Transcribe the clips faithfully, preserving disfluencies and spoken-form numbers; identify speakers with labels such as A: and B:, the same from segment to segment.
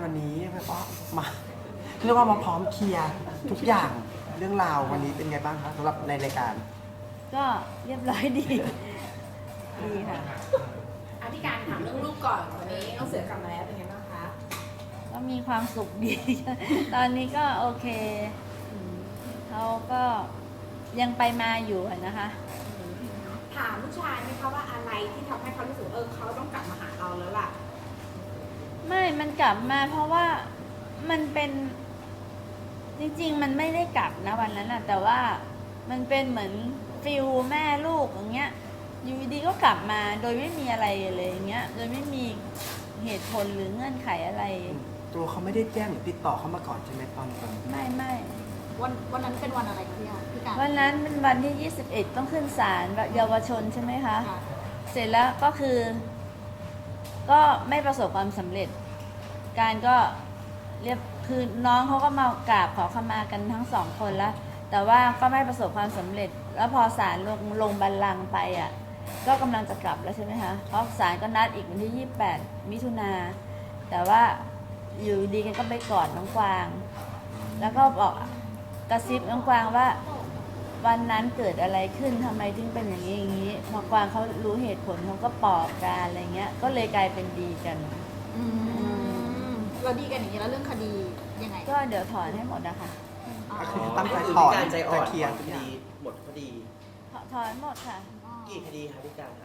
A: วันนี้แบบว่ามาเรียกว่ามาพร้อมเคลียร์ทุกอย่างเรื่องราววันนี้เป็นไงบ้างครับสำหรับในรายการ
B: ก็เรียบร้อยดี ดีค่ะ
C: อธิการถามเรื่องลูกก่อนวันนี้น้องเสือกลับมาแล้วเป็นไงบ้างคะ
B: ก็มีความสุขดี ตอนนี้ก็โอเคเขาก็ยังไปมาอยู่อะนะคะ
C: ถามลูกชายไหมคะว่าอะไรที่ทำให้เขารู้สึกเออเขาต้องกลับมาหาเราแล้วล่ะ
B: ไม่ มันกลับมาเพราะว่ามันเป็นจริงๆ มันไม่ได้กลับนะวันนั้นนะแต่ว่ามันเป็นเหมือนฟิลแม่ลูกอย่างเงี้ยอยู่ดีๆก็กลับมาโดยไม่มีอะไรเลยอย่างเงี้ยโดยไม่มีเหตุผลหรือเงื่อนไขอะไร
A: ตัวเขาไม่ได้แจ้งหรือติดต่อเขามาก่อนใช่ไหมตอนตอน
B: ไม่ไม่
D: วันวันนั้นเป็นวันอะไรคะพี่อาพี่การ
B: วันนั้นเป็นวันที่ยี่สิบเอ็ดต้องขึ้นศาลเยาวชนใช่ไหมคะ
D: ค่ะ
B: เสร็จแล้วก็คือ ก็ไม่ประสบความสำเร็จ การก็เรียบคือน้องเขาก็มากราบขอขมากันทั้งสองคนแล้ว แต่ว่าก็ไม่ประสบความสำเร็จ แล้วพอศาลลงลงบัลลังก์ไปอ่ะก็กำลังจะกลับแล้วใช่ไหมคะเพราะศาลก็นัดอีกวันที่ยี่สิบแปดมิถุนาแต่ว่าอยู่ดีกันก็ไปกอดน้องกวาง แล้วก็บอกกระซิบน้องกวางว่า วันนั้นเกิดอะไรขึ้นทำไมถึงเป็นอย่างนี้อย่างนี้พอกวางเขารู้เหตุผลเขาก็ปลอบกันอะไรเงี้ยก็เลยกลายเป็นดีกัน
D: อืมเราดีกันอย่างนี้แล้วเรื่องคดียังไง
B: ก็เดี๋ยวถอนให้หมดนะคะ
D: อ๋อ
A: ก็คือตั้งใจ
E: คือ
A: ถอ
E: พี่
A: น
E: การใจอ่อน
A: จะเคลียร์
E: คดีหมดคดี
B: ถถอนหมดค่ะ
E: กี่คดีคะพี่การคะ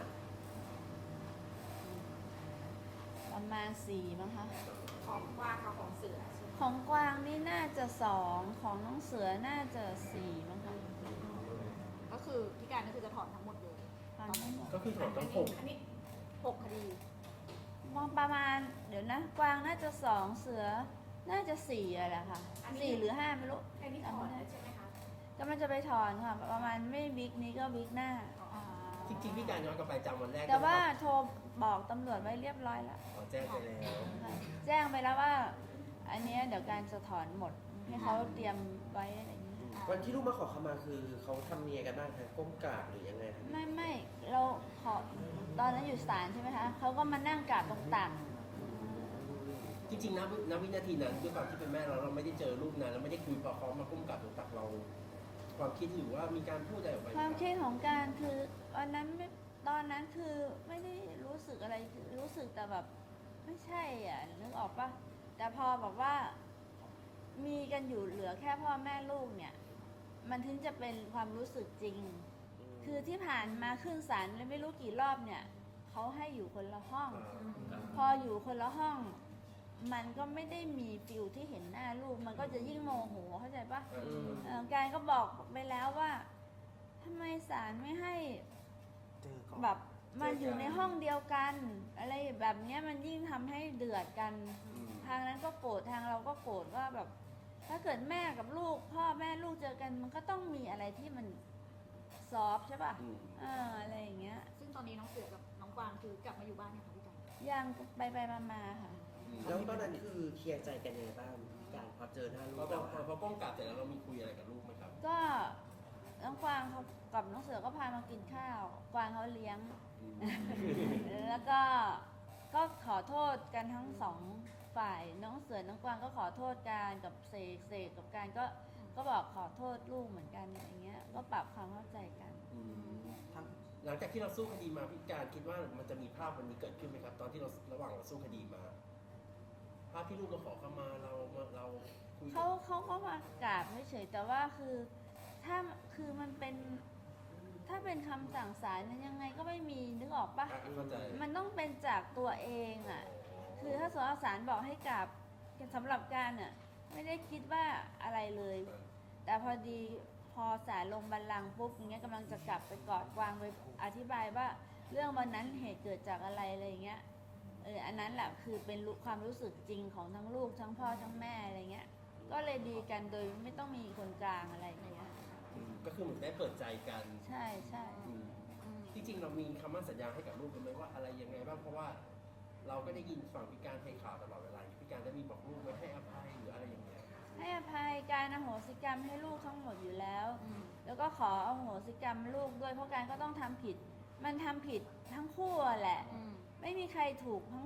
B: ประมาณสี่มั้งคะ
C: ของว่าเขาของเสือใช่ไหม
B: ของกวางนี่น่าจะสองของน้องเสือน่าจะสี่มั้งคะ
D: ก็คือพี่การก็คือจะถอนทั้งหมดเลย
B: ถอนให้หมด
E: ก็คือถอนทั้งหก
C: อันนี้
D: หกคดี
B: มองประมาณเดี๋ยวนะกวางน่าจะสองเสือน่าจะสี่อะแหละค่ะสี่หรือห้าไม่รู้
C: อันนี้ถอนแล้วใช่ไหมคะ
B: กำลังจะไปถอนค่ะ ประมาณไม่วิกนี้ก็วิกหน้า
D: อ่า
E: จริงๆพี่การย้อนกลับไปจำวันแรก
B: แต่ว่าโทรบอกตำรวจไว้เรียบร้อยแล้ว
E: อ๋อแจ้งไปแล้ว
B: ค่ะแจ้งไปแล้วว่า อันเนี้ยเดี๋ยวการจะถอนหมดให้เขาเตรียมไว้อะไรอย่างนี้
E: วันที่ลูกมาขอขมาคือเขาทำเนียกันบ้างคะก้มกราบหรือยังไงคะ
B: ไม่ไม่เราขอตอนนั้นอยู่ศาลใช่ไหมคะเขาก็มานั่งกราบตรงตัก
E: จริงๆนะณวินาทีนั้นด้วยความที่เป็นแม่เราเราไม่ได้เจอลูกนานเราไม่ได้คุยพอเขามาก้มกราบตรงตักเรา ความคิดหรือว่ามีการพูดอะไรออกไป
B: ความคิดของการคือวันนั้นไม่ตอนนั้นคือไม่ได้รู้สึกอะไรคือรู้สึกแต่แบบไม่ใช่อ่ะนึกออกปะแต่พอแบบว่ามีกันอยู่เหลือแค่พ่อแม่ลูกเนี่ย มันถึงจะเป็นความรู้สึกจริง คือที่ผ่านมาขึ้นศาลแล้วไม่รู้กี่รอบเนี่ยเขาให้อยู่คนละห้อง พออยู่คนละห้อง มันก็ไม่ได้มีฟิลที่เห็นหน้าลูก มันก็จะยิ่งโมโหเข้าใจปะ
E: อืม
B: เอ่อการก็บอกไปแล้วว่าทำไมศาลไม่ให้
A: เจอก่อน
B: แบบมันอยู่ในห้องเดียวกัน อะไรแบบเนี้ยมันยิ่งทำให้เดือดกัน
E: อืม
B: ทางนั้นก็โกรธทางเราก็โกรธว่าแบบ ถ้าเกิดแม่กับลูก พ่อแม่ลูกเจอกัน มันก็ต้องมีอะไรที่มันซอฟต์ใช่ป่ะ
E: อืม
B: เอออะไรอย่างเงี้ย
D: ซึ่งตอนนี้น้องเสือกับน้องกวางคือกลับมาอยู่บ้านเนี่ยค่ะพี่การ
B: ยังไปไปมามาค่ะ
E: แล้วตอนนั้นคือเคลียร์ใจกันยังไงบ้างพี่การพอเจอหน้าลูก
F: พอ
E: แล้ว
F: พอพอก้มกราบเสร็จแล้วเรามีคุยอะไรกับลูกไหมครับ
B: ก็น้องกวางเขากับน้องเสือก็พามากินข้าว กวางเขาเลี้ยง แล้วก็ก็ขอโทษกันทั้งสองฝ่ายน้องเสือน้องกวางก็ขอโทษกันกับเสกเสกกับการก็ก็บอกขอโทษลูกเหมือนกันอย่างเงี้ยก็ปรับความเข้าใจกัน
E: อืม
A: ทั้ง
F: หลังจากที่เราสู้คดีมาพี่การคิดว่ามันจะมีภาพวันนี้เกิดขึ้นไหมครับ ตอนที่เราระหว่างเราสู้คดีมา ภาพที่ลูกเราขอเข้ามาเราเราคุยกั
B: เขา
F: น
B: เขาก็มากราบไม่เฉยแต่ว่าคือถ้าคือมันเป็นถ้าเป็นคำสั่งศาลนั้นยังไงก็ไม่มีนึกออกปะ
F: อ่ะเข้าใจ
B: มันต้องเป็นจากตัวเองอ่ะ คือถ้าสมมติศาลบอกให้กราบสำหรับการอ่ะไม่ได้คิดว่าอะไรเลย แต่พอดีพอศาลลงบัลลังก์ปุ๊บอย่างเงี้ยกำลังจะกลับไปกอดกวางไปอธิบายว่าเรื่องวันนั้นเหตุเกิดจากอะไรอะไรอย่างเงี้ยเอออันนั้นแหละคือเป็นรู้ความรู้สึกจริงของทั้งลูกทั้งพ่อทั้งแม่อะไรเงี้ยก็เลยดีกันโดยไม่ต้องมีคนกลางอะไรอย่างเงี้ย
F: อืมก็คือเหมือนได้เปิดใจกัน
B: ใช่ใช่
F: อืมจริงๆเรามีคำมั่นสัญญาให้กับลูกไหมว่าอะไรยังไงบ้างเพราะว่า เราก็ได้ยินฝั่งพี่การให้ข่าวตลอดเวลาพี่การได้มีบอกลูกไว้ให้อภัยหรืออะไรอย่างเงี้ย
B: ให้อภัยการอโหสิกรรมให้ลูกทั้งหมดอยู่แล้ว
D: อืม
B: แล้วก็ขออโหสิกรรมลูกด้วยเพราะการก็ต้องทำผิด มันทำผิดทั้งคู่อะแหละ
D: อืม
B: ไม่มีใครถูกทั้งท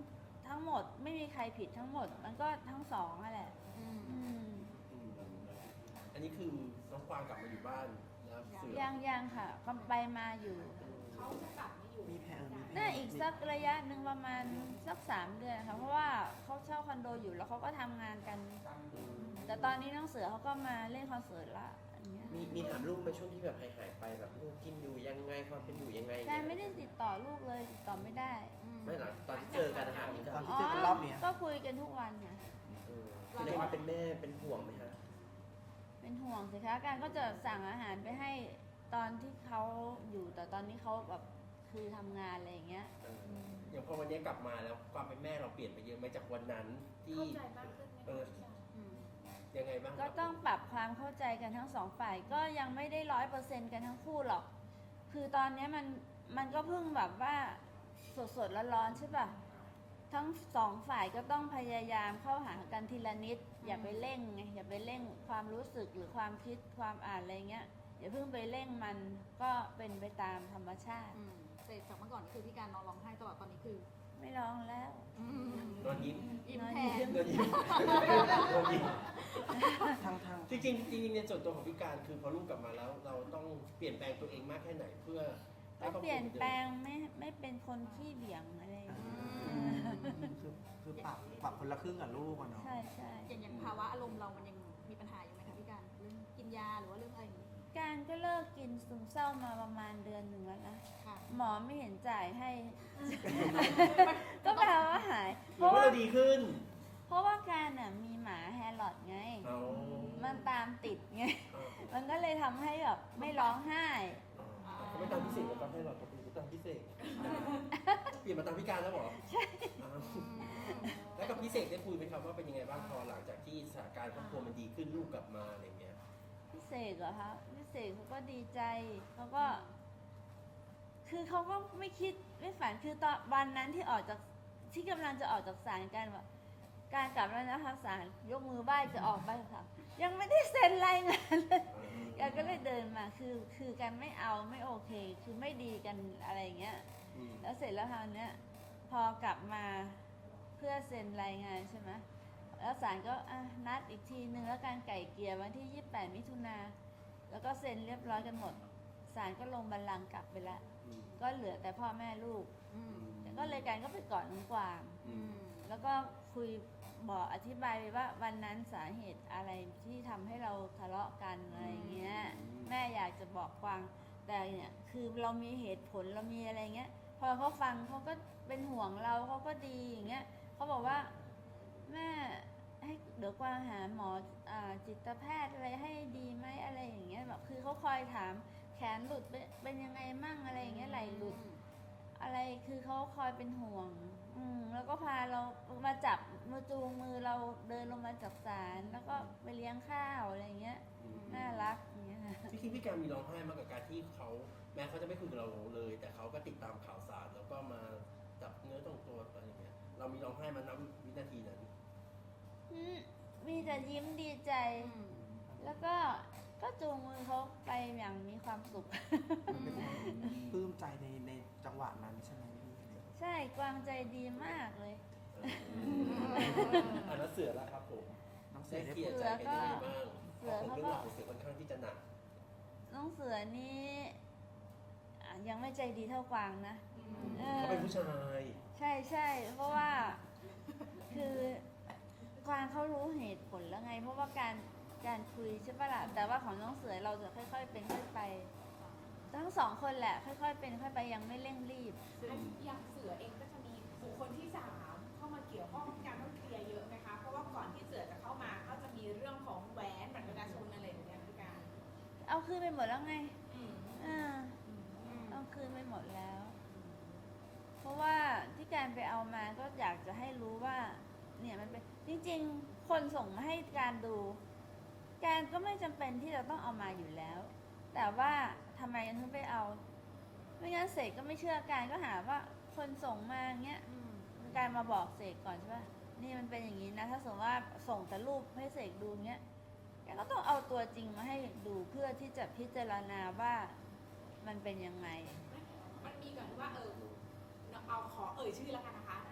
B: ทั้งหมดไม่มีใครผิดทั้งหมด มันก็ทั้งสองนั่นแหละ
D: อืม
B: อืม
E: อืมอันนี้คือน้องกวางกลับมาอยู่บ้านแล้วเสือ
B: ยังยังค่ะก็ไปมาอยู่
C: เขาจะกลับมาอยู่
A: มีแผนมีแผ
B: น่าอีกสักระยะหนึ่งประมาณสักสามเดือนค่ะเพราะว่าเขาเช่าคอนโดอยู่แล้วเขาก็ทำงานกัน แต่ตอนนี้น้องเสือเขาก็มาเล่นคอนเสิร์ตละอันเนี้ย
G: มีมีถามลูกในช่วงที่แบบหายหายๆไปแบบลูกกินอยู่ยังไงความเป็นอยู่ยังไง
B: แกไม่ได้ติดต่อลูกเลยติดต่อไม่ได้
G: ไม่หรอกตอนที่เจอกันนะคะพี่
A: ต
G: กา
A: อน
G: ร
A: ที่เจอกันรอบเนี้ย
B: ก็คุยกันทุกวันค่ะ
G: เออแสดงว่าเป็นแม่เป็นห่วงไหมฮะ
B: เป็นห่วงสิคะการก็จะสั่งอาหารไปให้ตอนที่เขาอยู่แต่ตอนนี้เขาแบบคือทำงานอะไรอย่างเงี้ย
G: เออ
E: อย่างพอวันนี้กลับมาแล้วความเป็นแม่เราเปลี่ยนไปเยอะไหมจากวันนั้นที่
C: เข้าใจมากขึ้นไหม
E: เออ
D: อืม
E: ยังไงบ้างครับ
B: ก็ต้องปรับความเข้าใจกันทั้งสองฝ่ายก็ยังไม่ได้ร้อยเปอร์เซ็นต์กันทั้งคู่หรอก คือตอนเนี้ยมันมันก็เพิ่งแบบว่าสดสดๆร้อนๆใช่ป่ะทั้งสองฝ่ายก็ต้องพยายามเข้าหากันทีละนิด อย่าไปเร่งไงอย่าไปเร่งความรู้สึกหรือความคิดความอ่านอะไรเงี้ยอย่าเพิ่งไปเร่งมันก็เป็นไปตามธรรมชาติ
D: อืมเสร็จจากเมื่อก่อนนี่คือพี่การนอนร้องไห้ตลอดตอนนี้คือ
B: ไม่ร้องแล้ว
D: อืม
E: นอนยิ้ม
D: ยิ้ม
B: นอน
D: แท
B: ยิ้
D: น
B: ม
E: นอนยิ้มนอนยิ้ม
A: ทางทาง
E: จริงๆจริงๆในส่วนตัวของพี่การคือพอลูกกลับมาแล้ว เราต้องเปลี่ยนแปลงตัวเองมากแค่ไหนเพื่อให้
B: ก็
E: ครอบครัว
B: เปลี่ยน
E: หมือดิม
B: แปลงไม่ไม่เป็นคนขี้เบี่ยงอะไรอย่างเงี้ย
A: คือคือปรับปรับคนละครึ่งกับลูกอะเนาะ
B: ใช่ใช่
D: อย่างอย่างภาวะอารมณ์เรามันยังมีปัญหาอยู่ไหมคะพี่การเรื่องกินยาหรือว่าเรื่องอะไรอย่างนี้
B: การก็เลิกกินซึมเศร้ามาประมาณเดือนหนึ่งแล้วนะ
D: ค่ะ
B: หมอไม่เห็นจ่ายให้ ก็แปลว่าหาย
E: ห
B: เพ
E: รือ
B: ราะ
E: ว่า
B: ว่า
E: เราดีขึ้น
B: เพราะว่าการน่ะมีหมาแฮร์ลอดไง
E: เอา
B: มันตามติดไง
E: เอา
B: มันก็เลยทำให้แบบไม่ร้องไห้
E: เอาเขาไม่ตามพิเศษแล้วก็ให้เราเป็นตามพิเศษเปลี่ยนมาตามพิการแล้วเหรอใช่แล้วกับพิเศษได้คุยไหมครับว่าเป็นยังไงบ้างพอหลังจากที่สถานการณ์ครอบครัวมันดีขึ้นลูกกลับมาอะไรเงี้ย
B: พี่เสกเหรอคะพี่เสกเขาก็ดีใจเขาก็ คือเขาก็ไม่คิดไม่ฝันคือตอนวันนั้นที่ออกจากที่กำลังจะออกจากศาลกันว่าการกลับแล้วนะคะศาลยกมือไหว้จะออกไปค่ะ ยังไม่ได้เซ็นรายงานเลยแกก็เลยเดินมาคือคือกันไม่เอาไม่โอเค คือไม่ดีกันอะไรอย่างเงี้ย
E: อืม
B: แล้วเสร็จแล้วคราวเนี้ยพอกลับมาเพื่อเซ็นรายงานใช่ไหมแล้วศาลก็อ่ะนัดอีกทีนึงแล้วการไก่เกลี่ยวันที่ยี่สิบแปดมิถุนาแล้วก็เซ็นเรียบร้อยกันหมดศาลก็ลงบัลลังก์กลับไปละ
E: อืม
B: ก็เหลือแต่พ่อแม่ลูก
D: อืม
B: แต่ก็เลยการก็ไปกอดน้องกวาง
E: อื
D: อื
E: ม
D: ม
B: แล้วก็คุยบอกอธิบายไปว่าวันนั้นสาเหตุอะไรที่ทำให้เราทะเลาะกันอะไรเงี้ย แม่อยากจะบอกกวางแต่เนี่ยคือเรามีเหตุผลเรามีอะไรเงี้ย พอเขาฟังเขาก็เป็นห่วงเราเขาก็ดีอย่างเงี้ยเขาบอกว่าแม่ให้เดี๋ยวกวางหาหมออ่าจิตแพทย์อะไรให้ดีไหมอะไรอย่างเงี้ยแบบคือเขาคอยถามแขนหลุดเป็นเป็นยังไงมั่งอะไรอย่างเงี้ยไหลหลุด อะไรคือเขาคอยเป็นห่วง อืมแล้วก็พาเรามาจับมาจูงมือเราเดินลงมาจากศาลแล้วก็ไปเลี้ยงข้าวอะไรเงี้ย
E: อืม
B: น่ารักอย่างเงี้ยค่ะ
E: จริงๆพี่การมีร้องไห้มากกับการที่เขาแม้เขาจะไม่คุยกับเราเลย แต่เขาก็ติดตามข่าวสารแล้วก็มาจับเนื้อต้องตัวอะไรอย่างเงี้ยเรามีร้องไห้มานับวินาทีนั้น
B: อืมมีแต่ยิ้มดีใจ
D: อืม
B: แล้วก็ก็จูงมือเขาไปอย่างมีความสุข
A: มันเป็นปลื้มใจในในจังหวะนั้นใช่ไหมพี่
B: ใช่กวางใจดีมากเลย
E: อ่าแล้วเสือแล้วครับผม
A: น้องเสื
E: ได้
A: อได้
E: เคลียร์ใจกันยังไงบ้างเพราะผมเรื่องราวของเสือค่อนข้างที่จะหนัก
B: น้องเสือนี่อ่ะยังไม่ใจดีเท่ากวางนะออ
E: เขาเป็นผู้ชาย
B: ใช่ใช่เพราะว่า คือกวางเขารู้เหตุผลแล้วไง เพราะว่าการการคุยใช่ปะล่ะแต่ว่าของน้องเสือเราจะค่อยๆเป็นค่อยไป ทั้งสองคนแหละ ค่อยๆเป็นค่อยไปยังไม่เร่งรีบ
C: อันอย่างเสือเองก็จะมีบุคคลที่สามเข้ามาเกี่ยวข้องการต้องเคลียร์เยอะไหมคะ เพราะว่าก่อนที่เสือจะเข้ามาก็จะมีเรื่องของแหวนบัตรประชาชนอะไรอย่างเงี้ยพี่การ
B: เอาคืนไปหมดแล้วไง
C: อืม
B: เออ
D: อืม
B: เอาคืนไปหมดแล้ว เพราะว่าที่การไปเอามาก็อยากจะให้รู้ว่า เนี่ยมันเป็นจริงๆ คนส่งมาให้การดู การก็ไม่จำเป็นที่จะต้องเอามาอยู่แล้ว แต่ว่าทำไมกันถึงไปเอา ไม่งั้นเสกก็ไม่เชื่อการก็หาว่าคนส่งมาเงี้ย
D: อืม
B: การมาบอกเสกก่อนใช่ป่ะ นี่มันเป็นอย่างนี้นะ ถ้าสมมติว่าส่งแต่รูปให้เสกดูเงี้ย แกก็ต้องเอาตัวจริงมาให้ดูเพื่อที่จะพิจารณาว่ามันเป็นยังไง
C: มันมีก่อนว่าเออเอาขอเอ่ยชื่อแล้วกันนะคะ เ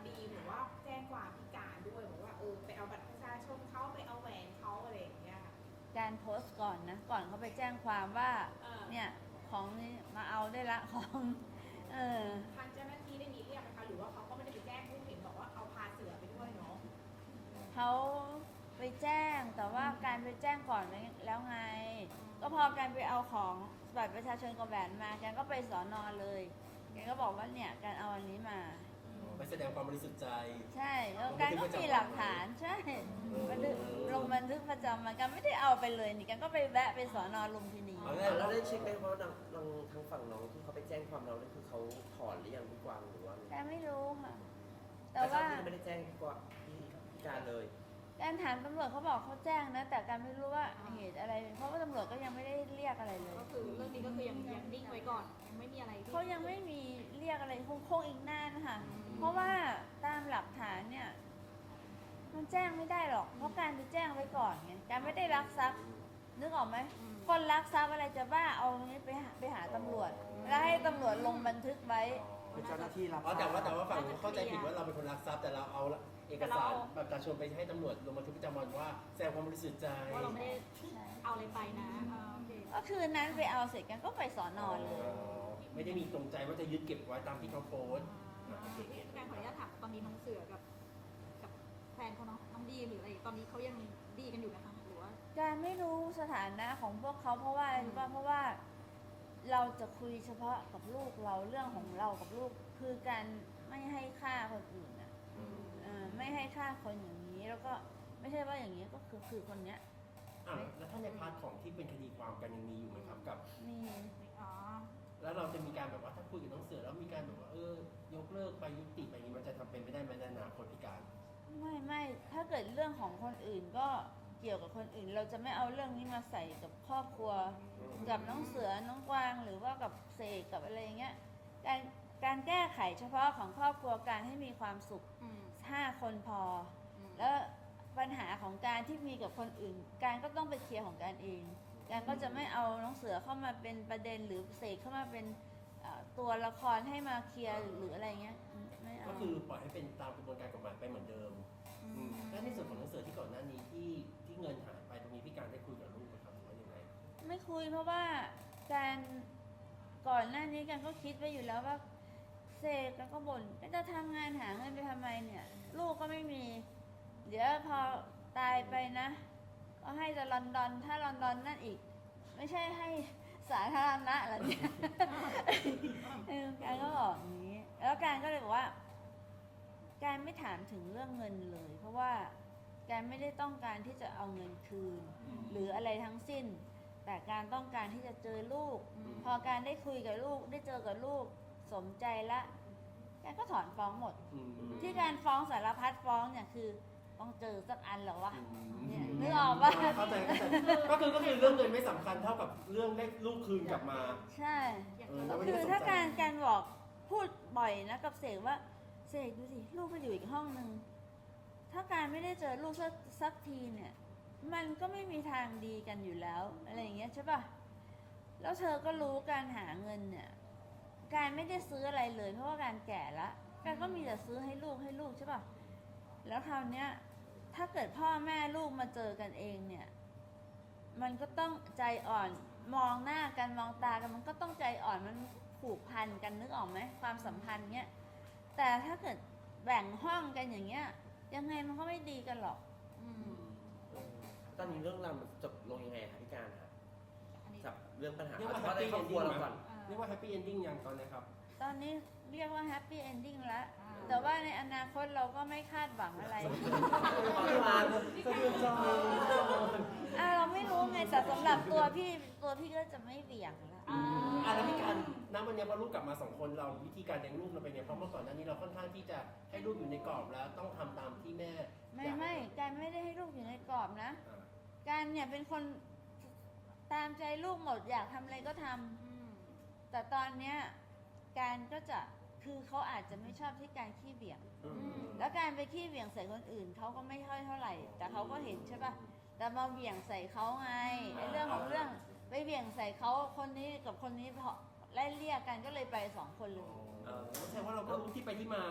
C: ดีหรือว่าแจ้งความพิการด้วยบอกว่าเออไปเอาบัตรประชาชนเขาไปเอาแหวนเขาอะไรอย่างเงี้ยค่ะ
B: การโพสต์ก่อนนะ ก่อนเขาไปแจ้งความว่า
C: เออ
B: เนี่ยของนี้มาเอาได้ละของเออ
C: ทางเจ้าหน้าที่ได้มีเรียกไหมคะหรือว่าเขาก็ไม่ได้ไปแจ้งผู้เห็นบอกว่าเอาพาเสือไปด้วยเนาะ
B: เขาไปแจ้งแต่ว่าการไปแจ้งก่อนแล้วไง ก็พอการไปเอาของบัตรประชาชนกับแหวนมาการก็ไปสอนอเลยแกก็บอกว่าเนี่ยการเอาอันนี้มา
F: ไปแสดงความบริสุทธิ์ใจ
B: ใช่แล้วการก็มีหลักฐานใช่บันทึกลงบันทึกประจำวันการไม่ได้เอาไปเลยนี่การก็ไปแวะไปสอนอลุมพินี
F: เอา
G: แล้วเราได้เช็คไหมว่าทางทางทางฝั่งน้องที่เขาไปแจ้งความเราเนี่ยคือเขาถอนหรือยังพี่กวางหรือว่าไง
B: การไม่รู้ค่ะ แต่
G: แต่ว่า
B: ว่า
G: ไม่ได้แจ้งพี่กวางพี่พี่การเลย
B: การถามตำรวจเขาบอกเขาแจ้งนะ แต่การไม่รู้ว่าเหตุอะไร เพราะว่าตำรวจก็ยังไม่ได้เรียกอะไรเลย
D: ก็คือเรื่องนี้ก็คือยังยังนิ่งไว้ก่อนยังไม่มีอะไรที่
B: เขายังไม่มีเรียกอะไรคงคงอีกนานค่ะ เพราะว่าตามหลักฐานเนี่ย มันแจ้งไม่ได้หรอก เพราะการไปแจ้งไว้ก่อนไงการไม่ได้รักทรัพย์นึกออกไหมคนรักทรัพย์อะไรจะบ้าเอาเนี้ยไปหาไปหาตำรวจ แล้วให้ตำรวจลงบันทึกไว้
A: เป็นเจ้าหน้าที่รับ
F: อ๋อแต่ว่าแต่ว่าฝั่งนู้นเข้าใจผิดว่าเราเป็นคนรักทรัพย์แต่เราเอาเอกสารบัตรประชาชนไปให้ตำรวจลงบันทึกประจำวันว่าแสดงความบริสุทธิ์ใจ
D: ว่าเราไม่ได้เอาอะไรไปนะอ่าโอเค
B: ก็คืนนั้นไปเอาเสร็จกันก็ไปสอนอเลย
F: ไม่ได้มีตรงใจว่าจะยึดเก็บไว้ตามที่เขาโพสต์
D: การขออนุญาตถามตอนนี้น้องเสือกับกับแฟนเขาเนาะน้องดีหรืออะไรตอนนี้เขายังดีกันอยู่นะคะหรือว่า
B: การไม่รู้สถานะของพวกเขาเพราะว่าอะไรรู้ป่ะเพราะว่าเราจะคุยเฉพาะกับลูกเราเรื่องของเรากับลูกคือการไม่ให้ค่าคนอื่นอ่ะเอ่อไม่ให้ค่าคนอย่างนี้แล้วก็ไม่ใช่ว่าอย่างนี้ก็คือคือคนเนี้ย
F: อ่ะแล้วถ้าในพาร์ทของที่เป็นคดีความกันยังมีอยู่ไหมครับกับ
B: มี
D: อ๋อ
F: แล้วเราจะมีการแบบว่าถ้าคุยกับน้องเสือแล้วมีการแบบว่าเออยกเลิกไปยุติไปอย่างนี้มันจะทำเป็นไม่ได้ไหมในอนาคตพิการ
B: ไม่ไม่ถ้าเกิดเรื่องของคนอื่นก็เกี่ยวกับคนอื่น เราจะไม่เอาเรื่องนี้มาใส่กับครอบครัว กับน้องเสือน้องกวางหรือว่ากับเสกกับอะไรเงี้ยการการแก้ไขเฉพาะของครอบครัวการให้มีความสุข
D: อืม
B: ห้าคนพอ
D: อืม
B: แล้วปัญหาของการที่มีกับคนอื่น การก็ต้องไปเคลียร์ของการเอง การก็จะไม่เอาน้องเสือเข้ามาเป็นประเด็นหรือเสกเข้ามาเป็นเอ่อตัวละครให้มาเคลียร์หรืออะไรเงี้ยอืมไม่เอา
F: ก็คือปล่อยให้เป็นตามกระบวนการกฎหมายไปเหมือนเดิม
D: อืม
F: แล้วในส่วนของน้องเสือที่ก่อนหน้านี้ที่ที่เงินหายไปตรงนี้พี่การได้คุยกับลูกไหมครับหรือว่ายังไง
B: ไม่คุยเพราะว่าการก่อนหน้านี้กันก็คิดไว้อยู่แล้วว่าเสกแล้วก็บ่นก็จะทำงานหาเงินไปทำไมเนี่ย ลูกก็ไม่มี เดี๋ยวพอตายไปนะ ก็ให้จะลอนดอนถ้าลอนดอนนั่นอีก ไม่ใช่ให้สาธารณะเหรอเนี่ย เออการก็บอกอย่างนี้ แล้วการก็เลยบอกว่า การไม่ถามถึงเรื่องเงินเลย เพราะว่าการไม่ได้ต้องการที่จะเอาเงินคืน หรืออะไรทั้งสิ้น แต่การต้องการที่จะเจอลูก พอการได้คุยกับลูกได้เจอกับลูกสมใจละการก็ถอนฟ้องหมด
F: อืม
B: ที่การฟ้องสารพัดฟ้องเนี่ยคือต้องเจอสักอันเหรอวะ
F: อืม
B: เนี่ยนึกออกปะ
F: เข้าใจเข้าใจก็คือก็คือเรื่องเงินไม่สำคัญเท่ากับเรื่องได้ลูกคืนกลับมา
B: ใช่
D: อย่าง
F: เออ
B: ก็
F: ไม่
B: คื
F: ได้
B: อ
F: สนใจ
B: ถ้าการการบอกพูดบ่อยนะกับเสกว่าเสกดูสิลูกก็อยู่อีกห้องนึงถ้าการไม่ได้เจอลูกสักสักทีเนี่ย มันก็ไม่มีทางดีกันอยู่แล้วอะไรอย่างเงี้ยใช่ปะแล้วเธอก็รู้การหาเงินเนี่ย การไม่ได้ซื้ออะไรเลย เพราะว่าการแก่ละการก็มีแต่ซื้อให้ลูกให้ลูกใช่ปะแล้วคราวเนี้ยถ้าเกิดพ่อแม่ลูกมาเจอกันเองเนี่ย มันก็ต้องใจอ่อนมองหน้ากันมองตากันมันก็ต้องใจอ่อนมันผูกพันกันนึกออกไหมความสัมพันธ์เนี้ยแต่ถ้าเกิดแบ่งห้องกันอย่างเงี้ยยังไงมันก็ไม่ดีกันหรอก
D: อืม
G: ตอนนี้เรื่องราวมันจบลงยังไงคะพี่การครับ
D: อันนี้
G: กับเรื่องปัญหา
F: เรียกว่า
G: เฉพาะใน
F: happy
G: ครอบครัว
F: ending
G: เราก่อน
D: อ่า
F: เรียกว่าแฮปปี้เอนดิ้งยังตอนนี้ครับ
B: ตอนนี้เรียกว่าแฮปปี้เอนดิ้งแล้ว
D: อ่า
B: แต่ว่าในอนาคตเราก็ไม่คาดหวังอะไร
G: ขอที่มา
A: สะเทือนใจ
B: อ่าเราไม่รู้ไงแต่สำหรับตัวพี่ตัวพี่ก็จะไม่เบี่ยงละ
D: อ่า
F: อ่ะแล้วพี่การณวันนี้พอลูกกลับมาสองคนเราวิธีการเลี้ยงลูกเราเป็นไงเพราะเมื่อก่อนหน้านี้เราค่อนข้างที่จะให้ลูกอยู่ในกรอบแล้วต้องทำตามที่แม่
B: ไม่
F: อยาก
B: ไม่การไม่ได้ให้ลูกอยู่ในกรอบนะ
F: อ่า
B: การเนี่ยเป็นคนตามใจลูกหมดอยากทำอะไรก็ทำ
D: อืม
B: แต่ตอนเนี้ยการก็จะคือเขาอาจจะไม่ชอบที่การขี้เบี่ยง
F: อืม
B: แล้วการไปขี้เบี่ยงใส่คนอื่นเขาก็ไม่ค่อยเท่าไหร่ แต่เขาก็เห็นใช่ปะแต่มาเบี่ยงใส่เขาไงไอ้เรื่องของเรื่องไปเบี่ยงใส่เขาคนนี้กับคนนี้พอไล่เรียกกันก็เลยไปสองคนเลย
G: เออ
F: แสดงว่าเราก็รู้ที่ไปที่มา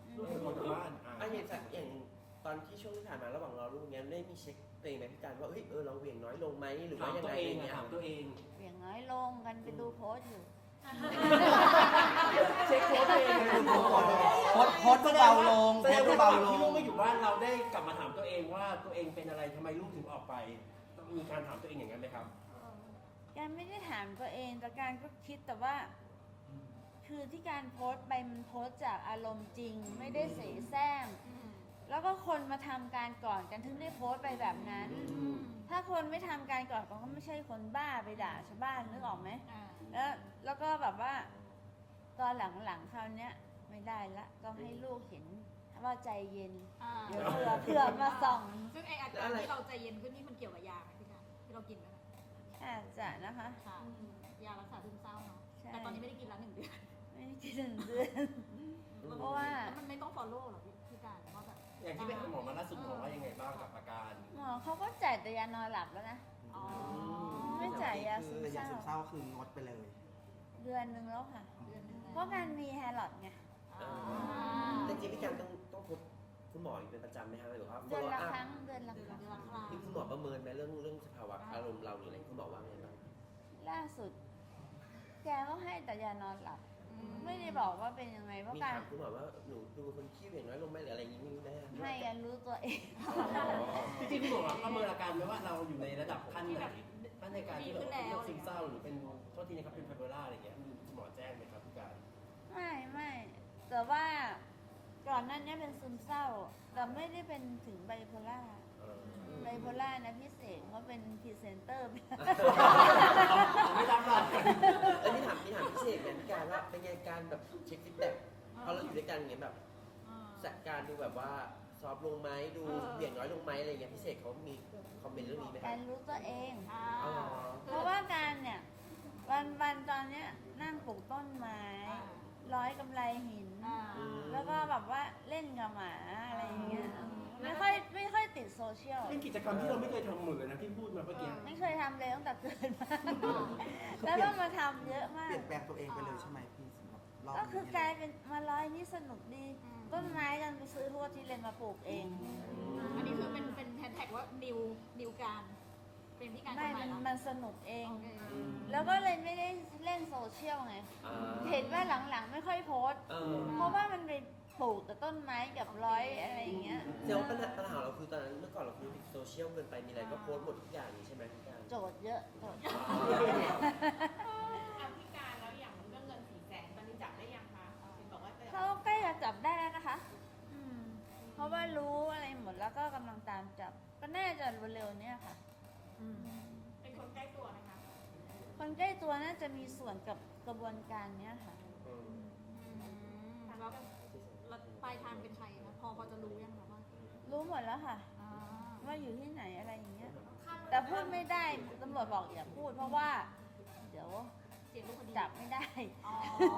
E: ลูกเป็นคนทางบ้านอ่ะ
G: อ่ะอย่างจากอย่างตอนที่ช่วงที่ผ่านมาระหว่างรอลูกเนี้ยได้มีเช็คตัวเองไหมพี่การว่าเฮ้ยเออเราเหวี่ยงน้อยลงไหมหรือ
E: ถา
G: ว่าม ยัง
E: ตัว
G: ไง
E: เอ
G: อง ย่าง
E: อะ
G: เงี้ย
E: ถามตัวเอง
B: เบี่ยงน้อยลงกันไปดูโพสต์อยู่
E: เช็คโค้ดตัวเองเลย
A: โพสต์โพสต์ก็เบาลง
E: แส
A: โพ
E: ด
A: ส
E: ง
A: ต์ก็
E: ว่า
A: เบา
E: ตอน
A: ล
E: ที่ลู
A: ง
E: กมาอยู่บ้านเราได้กลับมาถามตัวเองว่าตัวเองเป็นอะไรทำไมลูกถึงออกไปต้องมีการถามตัวเองอย่างนั้นไหมครับ
B: การไม่ได้ถามตัวเองแต่การก็คิดแต่ว่า คือที่การโพสต์ไปมันโพสต์จากอารมณ์จริง ไม่ได้เสแสร้งแล้วก็คนมาทำการก่อนกันถึงได้โพสต์ไปแบบนั้น ถ้าคนไม่ทำการก่อนก็ไม่ใช่คนบ้าไปด่าชาวบ้านนึกออกไหม
D: อ่า
B: แล้วแล้วก็แบบว่า ตอนหลังๆคราวเนี้ยไม่ได้ละต้องให้ลูกเห็นว่าใจเย็น
D: อ่า
B: เดี๋ยวเผื่อเผื่อมาส่อง
D: ซึ่งไออาการที่เราใจเย็นขึ้นนี่มันเกี่ยวกับยาไหมพี่การที่เรากินไหมคะ
B: อาจจะนะคะ
D: ค่ะยารักษาซึมเศร้าเนาะ
B: ใช่
D: แต่ตอนนี้ไม่ได้กินแล้วหนึ่งเดือน
B: ไม่ได้กินหนึ่งเดือน เพราะว่า
D: แล้วมันไม่ต้อง follow หรอพี่พี่การว่าแบบ
E: อย่างที่ไปหาหมอมาล่าสุดหมอว่ายังไงบ้างกับอาการ
B: หมอเขาก็จ่ายแต่ยานอนหลับแล้วนะ
D: อ๋อ
B: ไม่จ่ายยาซึม
A: แต่
B: เศ
A: ยา
B: ร้า
A: ซึมเศร้าคืองดไปเลย
B: เดือนหนึ่งแล้วค่ะ
D: เดือนหนึ่ง
B: เพราะการมีแฮร์ลอดไง
G: เออแต่จริงๆพี่การต้องต้องพบคุณหมออยู่เป็นประจำไหมคะหรือว่า
B: เดือน
G: follow
B: ละ
G: up
B: ครั้งเดือนละ
D: เดือน
B: ครั้ง
D: เดือนละครั้ง
G: นี่คุณหมอประเมินไหมเรื่องเรื่องสภาวะอารมณ์เราหรืออะไรคุณหมอว่าไงบ้าง
B: ล่าสุด แกก็ให้แต่ยานอนหลับ ไม่ได้บอกว่าเป็นยังไงเพราะ
G: มี
B: การ
G: ถามคุณหมอว่าหนูดูเป็นคนขี้เหวี่ยงน้อยลงไหมหรืออะไรอย่างนี้มีไหม
B: ให้กันรู้ตัวเอง
E: จริงๆพี่หมอประเมินอาการไหมว่าเราอยู่ในระดับขั้นไหนขั้นในการที่แบบเป็นโรคซึมเศร้าหรือเป็นโทษทีนะครับเป็นไบโพล่าอะไรอย่างเงี้ยมีคุณหมอแจ้งไหมครับพี่การ
B: ไม่ไม่แต่ว่าก่อนหนั้นเนี้ยเป็นซึมเศร้า แต่ไม่ได้เป็นถึงไบโพล่า
E: เออ
B: ไบโพล่านะพี่เสกเขาเป็นพรีเซนเตอร์
E: ไม่รับหรอก
G: เอ้ยนี่ถามนี่ถามพี่เสกเนี่ยพี่การว่าเป็นไงการแบบเช็คฟีดแบ็กพอเราอยู่ด้วยกันอย่างเงี้ยแบบจัดการดูแบบว่าซอฟต์ลงไหมดูเหวี่ยงน้อยลงไหมอะไรเงี้ยพี่เสกเขามีคอมเมนต์เรื่องนี้ไหมค
B: การ
G: รับ
B: รู้ตัวเอง
D: อ่า
G: อ๋อ
B: เพราะว่าการเนี่ยวันวันตอนเนี้ยนั่งปลูกต้นไม้ ร้อยกำไรหิน
D: อ่า
B: แล้วก็แบบว่าเล่นกับหมาอะไรอย่างเงี้ยไม่ค่อยไม่ค่อยติดโซเชียล
E: เป็นกิจกรรมที่เราไม่เคยทำหมดเลยนะที่พูดมาเมื่อกี้
B: ไม่เคยทำเลยตั้งแต่เกิดมา แล้วต้องมาทำเยอะมา
A: เป
B: ก
A: ลี่ยนแปลงตัวเองไปเลยใช่ไหมพี่สำหรับรอบ
B: ก็
A: นี้
B: คือกลายเป็นมาร้อยนี่สนุกดี ต้นไม้กันไปซื้อทั่วที่เลยมาปลูกเอง
D: อันนี้คือเป็นเป็นแฮชแท็กว่านิวนิวการเป็นพี่การ
B: ไม่
D: คนใหม่
B: มัน
D: แล้ว
B: มันสนุกเอง
D: โอเค
B: แล้วก็เลยไม่ได้เล่นโซเชียลไง
G: อ่า
B: เห็นว่าหลังๆไม่ค่อยโพสต์
G: เออ
B: เพราะว่ามันไปปลูกแต่ต้นไม้กับร้อยอะไรอย่างเงี้ย
G: เดี๋ยวปัญหาปัญหาเราคือตอนนั้นเมื่อก่อนเราคือติดโซเชียลเกินไปมีอะไรก็โพสต์หมดทุกอย่างนี่ใช่ไหมพี่การ
B: โจทย์เยอะโจทย์เยอะ
C: เอาพิการแล้วอย่างเรื่องเงินสี่แสนตอนนี้จับได้ยังคะเห็นบอกว่าจะ
B: เขาใกล้จะจับได้แล้วนะคะ อืม เพราะว่ารู้อะไรหมดแล้วก็กำลังตามจับ ก็น่าจะเร็วๆเนี้ยค่ะ
C: เป็นคนใกล้ตัวนะคะ
B: คนใกล้ตัวน่าจะมีส่วนกับกระบวนการเนี้ยค่ะ
G: อืม
D: แล้วแล้วปลายทางเป็นใครนะพอพอจะรู้ยังคะว่า
B: รู้หมดแล้วค่ะ
D: อ่า
B: ว่าอยู่ที่ไหนอะไรอย่างเงี้ย แต่พูดไม่ได้ตำรวจบอกอย่าพูดเพราะว่า เดี๋ยว
D: เสียงลูกคดี
B: จับไม่ได้
D: อ๋อ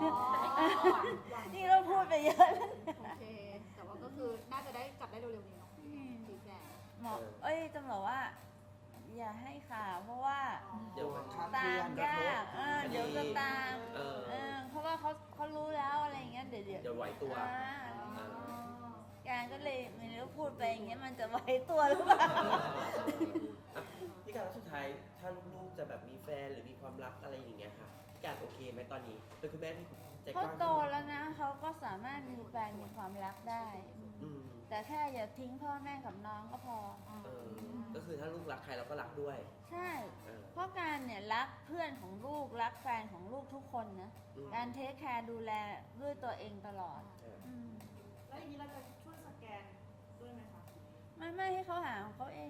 B: นี่เราพูดไปเยอะแล้ว
D: โอเค แต่ว่าก็คือน่าจะได้จับได้เร็วๆนี้เนาะสี่แสน
B: หมอเอ้ยตำรวจว่า อย่าให้ข่าวเพราะว่า
G: เดี๋ยวมัน
A: คาด
B: ตา
A: เคลื่อ
B: ม
A: นกระ
B: ยา
A: ทบ
B: กเออเดี๋ยวจะตาม
G: เออ
B: เออเพราะว่าเขาเขารู้แล้วอะไรอย่างเงี้ยเดี๋ยวเดี๋ยว
G: เดี๋ยวไหวตัว
B: อ่า
G: อ่า
B: การก็เลยไม่รู้พูดไปอย่างเงี้ยมันจะไหวตัวหรือเปล่า
G: อ่ะพี่การแล้วสุดท้ายถ้าลูกๆจะแบบมีแฟนหรือมีความรักอะไรอย่างเงี้ยค่ะพี่การโอเคไหมตอนนี้เป็นคุณแม่ที่ใจก
B: เขา
G: ว้าง
B: โตแล้วนะเขาก็สามารถมีแฟนมีความรักได้
G: อืม
B: แต่แค่อย่าทิ้งพ่อแม่กับน้องก็พอ
G: เออก็คือถ้าลูกรักใครเราก็รักด้วย
B: ใช่
G: เออ
B: เพราะการเนี่ยรักเพื่อนของลูกรักแฟนของลูกทุกคนนะ
G: อืม
B: การเทคแคร์ดูแลด้วยตัวเองตลอด
G: เออ
B: อืม
C: แล้วอย่างนี้เราจะช่วยสแกนด้วยไหมคะ
B: ไม่ไม่ให้เขาหาของเขาเอง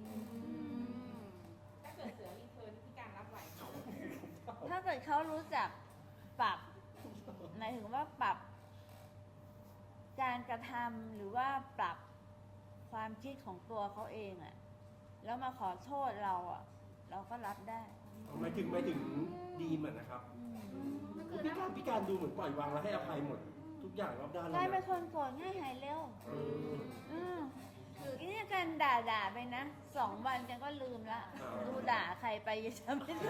C: ถ้าเกิดเสือรีเทิร์นพิการรับไหวไหม
B: ถ้าเกิดเขารู้จักปรับหมายถึงว่าปรับ การกระทำหรือว่าปรับความคิดของตัวเขาเองอะแล้วมาขอโทษเราอะเราก็รับได้
E: หมายถึงหมายถึงดีเหมือนนะครับ
B: อืม
E: พี่การพี่การดูเหมือนปล่อยวางแล้วให้อภัยหมดทุกอย่างรอบด้านเล
B: กลาย
E: ย
B: เป็น
E: นะ
B: คนโกรธง่ายหายเร็ว
E: อืม
B: อืมคืออีนี่การด่าด่าๆไปนะสองวันแกก็ลืมละ
E: อ่า
B: ดูด่าใครไปยังจำไม่ได้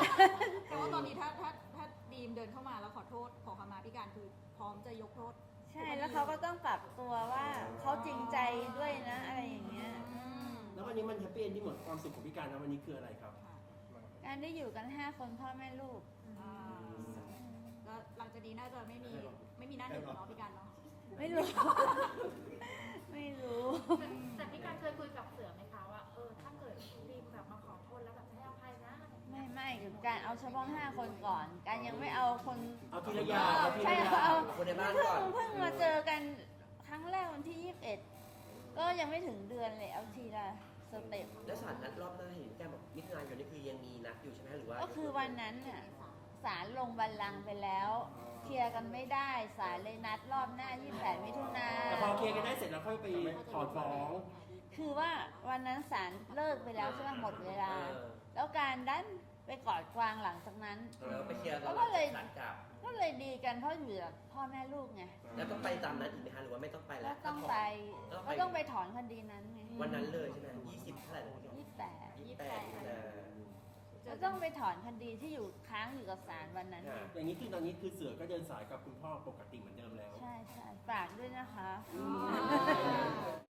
D: แต่ว่าตอนนี้ถ้าถ้าถ้าดีมเดินเข้ามาแล้วขอโทษขอขมาพี่การคือพร้อมจะยกโทษ
B: ใช่แล้วเขาก็ต้องปรับตัวว่าเขาจริงใจด้วยนะอะไรอย่างเงี้ยอืม
E: แล้ววันนี้มันแฮปปี้เอนดิ้งหมดความสุขของพี่การนะวันนี้คืออะไรครับ
B: การได้อยู่กันห้าคนพ่อแม่ลูก
D: อ่าแล้วหลังจากนี้น่าจะไม่มีไม่มีหน้าหนึ่งเนาะพี่การเนาะ
B: ไม่รู้ ไม่รู้
C: แต่พี่การเคยคุยกับเสือไหมคะว่าเออถ้าเกิดดีมแบบมาขอโทษแล้วแบบให้อภัยนะอะไรอย่างเงี้ย
B: ไม่ไม่การเอาเฉพาะห้าคนก่อน การยังไม่เอาคน
E: เอาทีละอย่างเอาที
B: ใช่
E: ละอย่าง
B: เอา
G: คนในบ้าน
B: เพิ่
G: ก่อน
B: งเพิ่งมาเจอกันครั้งแรกวันที่ยี่สิบเอ็ดก็ยังไม่ถึงเดือนเลยเอาทีละสเต็ป
G: แล้วศาลนัดรอบหน้าเห็นแกบอกมิถุนายนนี่คือยังมีนัดอยู่ใช่ไหมหรือว่า
B: ก็คือวันนั้นน่ะศาลลงบัลลังก์ไปแล้วเคลียร์กันไม่ได้ศาลเลยนัดรอบหน้ายี่สิบแปดมิถุนา
E: แต่พอเคลียร์กันได้เสร็จแล้วค่อยไปถอนฟ้อง
B: คือว่าวันนั้นศาลเลิกไปแล้วใช่ไหมหมดเวลา
G: เออ
B: แล้วการดันไปกอดกวางหลังจากนั้น
G: แล้วไปเคลียร์ตอนห
B: แล้วก็
G: ลัง
B: เลย
G: ศาลกลับ
B: ก็เลยดีกันเพราะอยู่กับพ่อแม่ลูกไง
G: แล้วต้องไปตามนั้นอีกไหมคะหรือว่าไม่ต้องไปแล้
B: ก็
G: ว
B: ต้องไป
G: ต้องไป
B: ก็ต้องไปถอนคดีนั้นไง
G: วันนั้นเลยใช่ไหมยี่สิบเท่าไหร่นะ
B: ยี่สิบแปด
G: ยี่สิบแปดมีนา
B: ก็ต้องไปถอนคดีที่อยู่ค้างอยู่กับศาลวันนั้น
G: ค่ะ
E: อย่างนี้คือตอนนี้คือเสือก็เดินสายกับคุณพ่อปกติเหมือนเดิมแล้ว
B: ใช่ใช่ฝากด้วยนะคะ
E: อืม